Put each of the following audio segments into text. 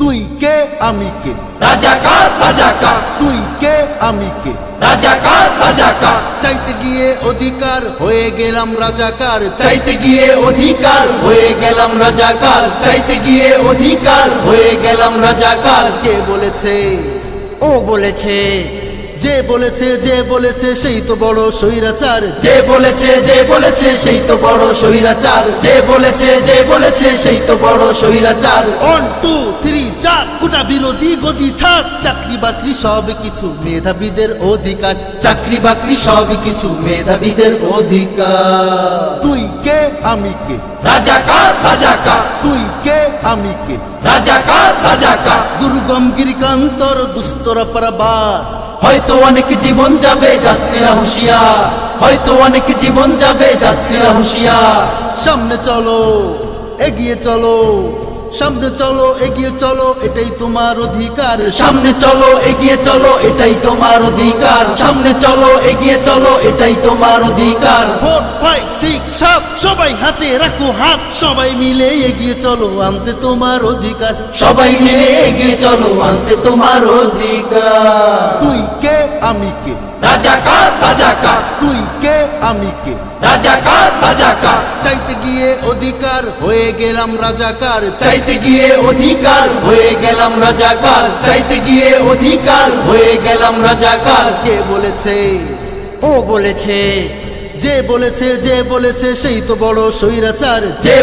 তুই কে আমি কে, রাজাকার রাজাকার, তুই কে আমি কে, রাজাকার রাজাকার, চাইতে গিয়ে অধিকার হয়ে গেলাম রাজাকার, চাইতে গিয়ে অধিকার হয়ে গেলাম রাজাকার, চাইতে গিয়ে অধিকার হয়ে গেলাম রাজাকার। কে বলেছে? ও বলেছে। যে বলেছে সেই তো বড় স্বৈরাচার, যে বলেছে সেই তো বড় স্বৈরাচার, যে বলেছে সেই তো বড় স্বৈরাচার। 1 2 3 4 কোটা বিরোধী গদি ছাড়, চাকরি বাকরি সব কিছু মেধাবীদের অধিকার, চাকরি বাকরি সব কিছু মেধাবীদের অধিকার। তুই কে আমি কে, রাজাকার রাজাকার, তুই কে আমি কে, রাজাকার রাজাকার। দুর্গম গিরিকান্তর দুস্তরা পারাবার, হয়তো অনেক জীবন যাবে যাত্রীরা হুঁশিয়ার, হয়তো অনেক জীবন যাবে যাত্রীরা হুঁশিয়ার। সামনে চলো এগিয়ে চলো, সামনে চলো এগিয়ে চলো, এটাই তোমার অধিকার, সামনে চলো এগিয়ে চলো, এটাই তোমার অধিকার, সামনে চলো এগিয়ে চলো, এটাই তোমার অধিকার। 4 5 6 7 সবাই হাতে রাখো হাত, সবাই মিলে এগিয়ে চলো আনতে তোমার অধিকার, সবাই মিলে এগিয়ে চলো আনতে তোমার অধিকার। তুই কে আমি কে, রাজাকার রাজাকার, তুই কে আমি কে, রাজাকার রাজাকার, চাইতে গিয়ে অধিকার হয়ে গেলাম রাজাকার, চাইতে গিয়ে অধিকার হয়ে গেলাম রাজাকার, চাইতে গিয়ে অধিকার হয়ে গেলাম রাজাকার। কে বলেছে? ও বলেছে। যে বলেছে সেই তো বড় স্বৈরাচার, যে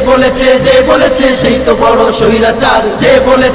বলেছে সেই তো বড় স্বৈরাচার, যে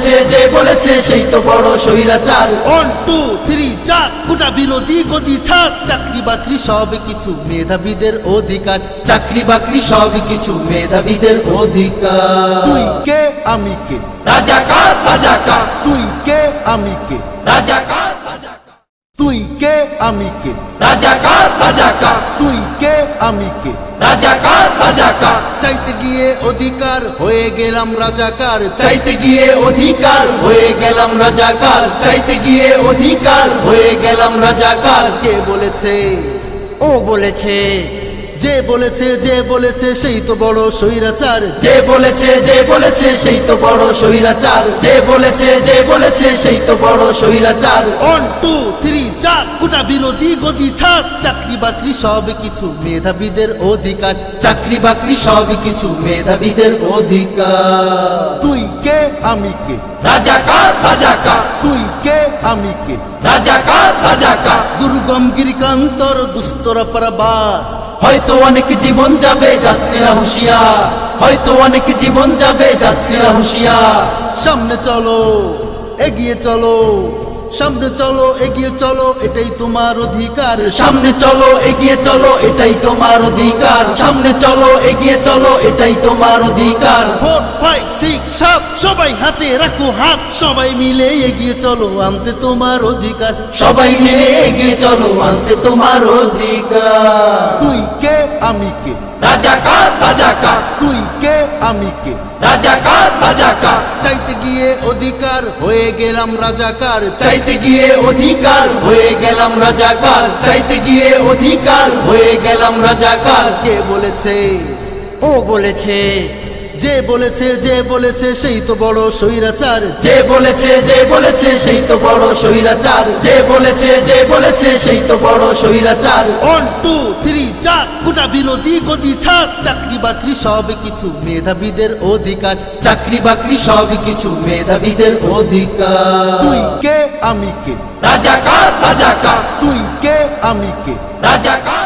বলেছে সেই তো বড় স্বৈরাচার। 1 2 3 4 কোটা বিরোধী গদি ছাড়, চাকরি বাকরি সব কিছু মেধাবীদের অধিকার, চাকরি বাকরি সব কিছু মেধাবীদের অধিকার। তুই কে আমি কে, রাজাকার রাজাকার, তুই কে আমি কে, রাজাকার রাজাকার, তুই কে আমি কে, রাজাকার রাজাকার, তুই কে আমি কে, রাজাকার রাজাকার, চাইতে গিয়ে অধিকার হয়ে গেলাম রাজাকার, চাইতে গিয়ে অধিকার হয়ে গেলাম রাজাকার, চাইতে গিয়ে অধিকার হয়ে গেলাম রাজাকার। কে বলেছে? ও বলেছে। যে বলেছে সেই তো বড় স্বৈরাচার, যে বলেছে সেই তো বড় স্বৈরাচার, যে বলেছে সেই তো বড় স্বৈরাচার। 1 2 3 4 কোটা বিরোধী গদি ছাড়, চাকরি বাকরি সব কিছু মেধাবীদের অধিকার, চাকরি বাকরি সব কিছু মেধাবীদের অধিকার। তুই কে আমি কে, রাজাকার রাজাকার, তুই কে আমি কে, রাজাকার রাজাকার। দুর্গম গিরিকান্তর দুস্তরা পারাবার, হয়তো অনেক জীবন যাবে যাত্রীরা হুঁশিয়ার, হয়তো অনেক জীবন যাবে যাত্রীরা হুঁশিয়ার। সামনে চলো এগিয়ে চলো, সামনে চলো এগিয়ে চলো, এটাই তোমার অধিকার, সামনে চলো এগিয়ে চলো, এটাই তোমার অধিকার, সামনে চলো এগিয়ে চলো, এটাই তোমার অধিকার। 4 5 6 7 সবাই হাতে রাখো হাত, সবাই মিলে এগিয়ে চলো আনতে তোমার অধিকার, সবাই মিলে এগিয়ে চলো আনতে তোমার অধিকার। তুই কে আমি কে, রাজাকার রাজাকার, তুই কে আমি কে, রাজাকার রাজাকার, চাইতে গিয়ে অধিকার হয়ে গেলাম রাজাকার, চাইতে গিয়ে অধিকার হয়ে গেলাম রাজাকার, চাইতে গিয়ে অধিকার হয়ে গেলাম রাজাকার। কে বলেছে? ও বলেছে। যে বলেছে সেই তো বড় স্বৈরাচার, যে বলেছে সেই তো বড় স্বৈরাচার, যে বলেছে সেই তো বড় স্বৈরাচার। 1 2 3 4 কোটা বিরোধী গদি ছাড়, চাকরি বাকরি সব কিছু মেধাবীদের অধিকার, চাকরি বাকরি সব কিছু মেধাবীদের অধিকার। তুই কে আমি কে, রাজাকার রাজাকার, তুই কে আমি কে, রাজাকার।